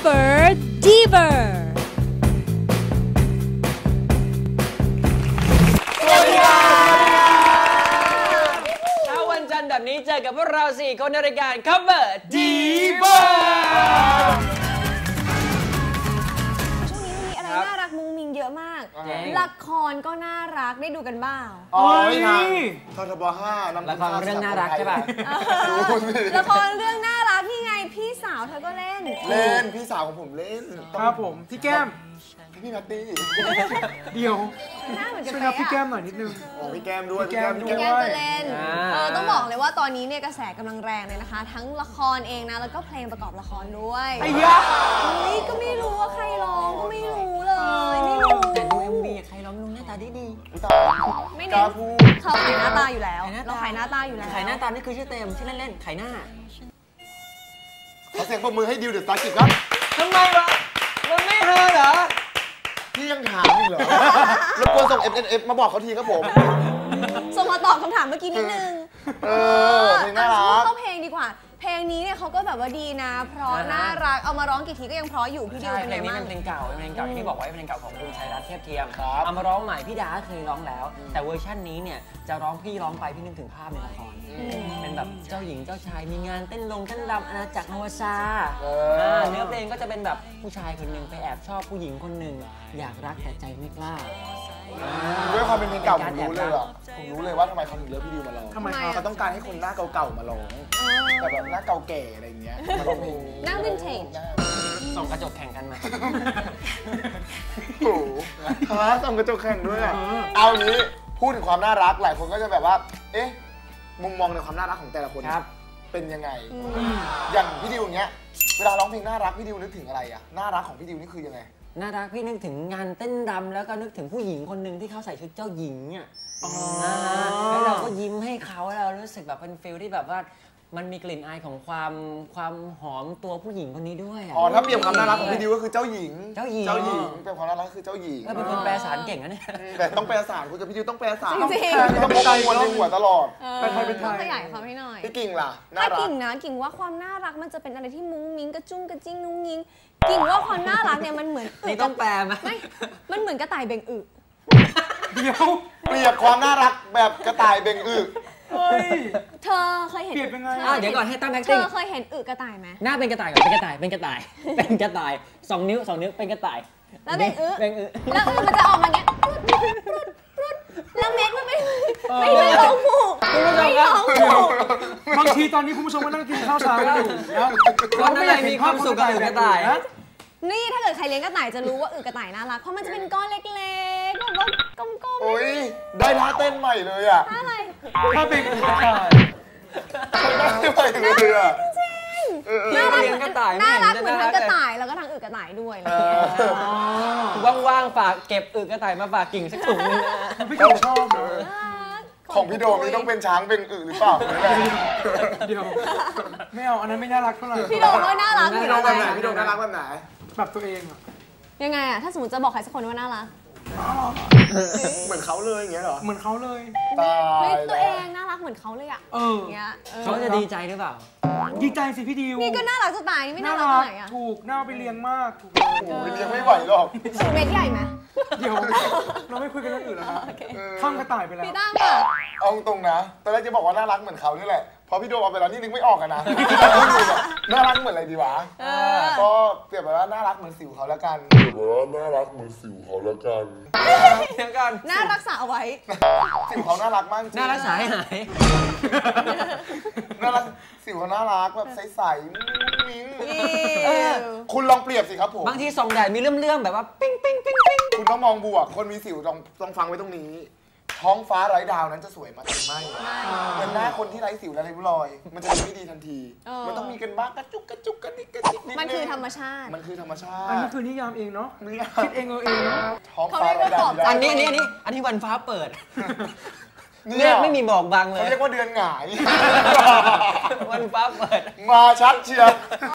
Super Diva สวัสดีครับเช้าวันจันทร์แบบนี้เจอกับพวกเรา4 คนในรายการ Cover Diva ช่วงนี้มีอะไรน่ารักมุ้งมิงเยอะมาก ละครก็น่ารักได้ดูกันบ้างอ๋อนี่ททบ5 ละครเรื่องน่ารักใช่ป่ะละครเรื่องน่ารักนี่ไงพี่สาวเธอก็เล่นพี่สาวของผมเล่นครับผมพี่แก้มพี่แพตตี้เดี๋ยวหน้าเหมือนกันช่วยไปนับพี่แก้อะมหน่อยนิดนึงอ๋อพี่แก้มด้วยพี่แก้มพี่แก้มก็เล่นอ่าต้องบอกเลยว่าตอนนี้เนี่ยกระแสกำลังแรงเลยนะคะ ทั้งละครเองนะแล้วก็เพลงประกอบละครด้วยไอ้ยะนี่ก็ไม่รู้ว่าใครร้องก็ไม่รู้เลยไม่รู้แต่ดู MV ใครร้องลุงหน้าตาดีไม่กเน้ล้าน พูดเขาขายหน้าตาอยู่แล้วเราขายหน้าตาอยู่แล้วไข่หน้าตานี่คือชื่อเต็มชื่อเล่นๆไข่หน้าขอเสียงปรบมือให้ดิวเดอะสตาร์กิจครับทำไมวะมันไม่เฮอเหรอพี่ยังถามอีกเหรอรบกวนส่ง FNF มาบอกเขาทีครับผมส่งมาตอบคำถามเมื่อกี้นิดนึงเพลงน่ารักเข้าเพลงดีกว่า เพลงนี้เนี่ยเขาก็แบบว่าดีนะ เพราะน่ารัก เอามาร้องกี่ทีก็ยังเพราะอยู่พี่ดิวใช่เป็นเพลไงงนี้บ้างเป็นเพลงเก่าอย่างที่บอกไว้เป็นเพลงเก่าของคุณชัยรัตน์เทียบเทียมครับเอามาร้องใหม่พี่ดาเคยร้องแล้ว แต่เวอร์ชันนี้เนี่ยจะร้องพี่ร้องไปพี่นึกถึงภาพในละครเป็นแบบเจ้าหญิงเจ้าชายมีงานเต้นรำอาณาจักรนวซาเนื้อเพลงก็จะเป็นแบบผู้ชายคนหนึ่งไปแอบชอบผู้หญิงคนหนึ่งอยากรักแต่ใจไม่กล้าด้วยความเป็นเพลงเก่าผมรู้เลยอ่ะผมรู้เลยว่าทำไมเขาถึงเลือกพี่ดิวมาร้องทำไมครับเขาต้องการให้คนหน้าเก่าๆมาร้องแต่แบบหน้าเก่าแก่อะไรอย่างเงี้ยมาร้องเพลงนี้หน้าวินเทจส่งกระจกแข่งกันมาโอ้โหฮะส่งกระจกแข่งด้วยอ่ะเอานี้พูดถึงความน่ารักหลายคนก็จะแบบว่า เอ๊ะ มุมมองในความน่ารักของแต่ละคนครับเป็นยังไง อย่างพี่ดิวอย่างเงี้ย เวลาร้องเพลงน่ารักพี่ดิวนึกถึงอะไรอ่ะ น่ารักของพี่ดิวนี่คือยังไงน่ารักพี่นึกถึงงานเต้นรำแล้วก็นึกถึงผู้หญิงคนหนึ่งที่เขาใส่ชุดเจ้าหญิงอ่ะแล้วเราก็ยิ้มให้เขาแล้วเรารู้สึกแบบเป็นฟิลที่แบบว่ามันมีกลิ่นอายของความหอมตัวผู้หญิงคนนี้ด้วยอ่ะอ๋อ ถ้าเปรียบความน่ารักของพี่ดิวก็คือเจ้าหญิงเจ้าหญิงเป็นความน่ารักคือเจ้าหญิงเป็นคนแปลสารเก่งนะเนี่ยแต่ต้องแปลสารคุณกับพี่ดิวต้องแปลสารจริงต้องพกหัวในหัวตลอดไปไทยไปไทต้องยขยายความให้หน่อยพี่กิ่งล่ะ น่าถ้ารักกิ่งนะกิ่งว่าความน่ารักมันจะเป็นอะไรที่มุ้งมิ้งกระจุ้งกระจิ้งนุ้งยิงกิ่งว่าความน่ารักเนี่ยมันเหมือนนี่ต้องแปลไหมไม่มันเหมือนกระต่ายเบ่งอึเดี๋ยวเปรียบความน่ารักแบบกระต่ายเบ่งอึเฮ้ยเธอเคยเห็นเปรียบยังไงเดี๋ยวก่อนให้ตั้งแอคเธติ้งอเคยเห็นอึกระต่ายไหมหน้าเป็นกระต่ายก่อนเป็นกระต่ายเป็นกระต่ายเป็นกระต่าย2 นิ้วเป็นกระต่ายแล้วเบ่งอึเบ่งอึแล้วอึมันจะออกมาเงี้ยแล้วเม็ดมันไม่ได้ร้องผูกไม่ร้องผูกบางทีตอนนี้คุณผู้ชมก็นั่งกินข้าวเช้ากันอยู่นะคนอะไรมีความสุขกับกระต่ายนะนี่ถ้าเกิดใครเลี้ยงกระต่ายจะรู้ว่าอึกระต่ายน่ารักเพราะมันจะเป็นก้อนเล็กๆแบบว่ากลมโอ้ย ได้ท่าเต้นใหม่เลยอ่ะๆถ้าอะไรถ้าเป็นกระต่ายได้ใหม่เลยอ่ะน่ารักเลี้ยงกระต่ายน่ารักไเหมือนทั้งกระต่ายแล้วก็ทั้งอึกระต่ายด้วยอะไรอย่างเงี้ยว่างๆฝากเก็บอึกระต่ายมาฝากกิ่งสักถุงนึงนะพี่กิ่งชอบเหรอของพี่โดมนี่ต้องเป็นช้างเป็นอึหรือเปล่าเดี๋ยวไม่เอาอันนั้นไม่น่ารักเท่าไหร่พี่โดมก็น่ารักอยู่พี่โดมนะแบบไหนพี่โดมน่ารักแบบไหนแบบตัวเองอะยังไงอะถ้าสมมติจะบอกใครสักคนว่าน่ารักเหมือนเขาเลยอย่างเงี้ยเหรอเหมือนเขาเลยตาเฮ้ยยตัวเองน่ารักเหมือนเขาเลยอะเอออย่างเงี้ยเขาจะดีใจหรือเปล่าดีใจสิพี่ดิวนี่ก็น่ารักจะตายนี่ไม่น่ารักตรงไหนอะถูกน่าเอาไปเลี้ยงมากถูกโอ้โหเลี้ยงไม่ไหวหรอกสูเม็ดใหญ่ไหมเดี๋ยวเราไม่คุยกันเรื่องอื่นแล้วนะข้ามกระต่ายไปแล้วพี่ตั้งอะเอาตรงนะตอนแรกจะบอกว่าน่ารักเหมือนเขานี่แหละพอพี่โดมเอาไปแล้วนี่นึกไม่ออกอะนะน่ารักเหมือนอะไรดีวะก็เปรียบแบบว่าน่ารักเหมือนสิวเขาแล้วกันเดี๋ยวก่อนน่ารักษาเอาไว้สิวเขาน่ารักมากจริงน่ารักษาให้หายน่ารักสิวเขาน่ารักแบบใสๆมิ้งเออคุณลองเปรียบสิครับผมบางทีส่องแดดมีเลื่อมๆแบบว่าปิ้งคุณต้องมองบวก คนมีสิวต้องฟังไว้ตรงนี้ ท้องฟ้าไร้ดาวนั้นจะสวยมาเต็มไม่เหมือนหน้าคนที่ไร้สิวและไร้ริ้วรอย มันจะมีไม่ดีทันที มันต้องมีกันบ้างกระจุกกระดิกกระดิกนิดนึงมันคือธรรมชาติมันคือธรรมชาอันตินี้คือนิยามเองเนาะนี่คิดเองเองเนาะท้องฟ้าไร้ดาวอันนี้วันฟ้าเปิดเนี่เนี่ย ยไม่มีบอกบังเลเขายเรียกว่าเดือนหงายวันฟ้าเปิดมาชัดเชียว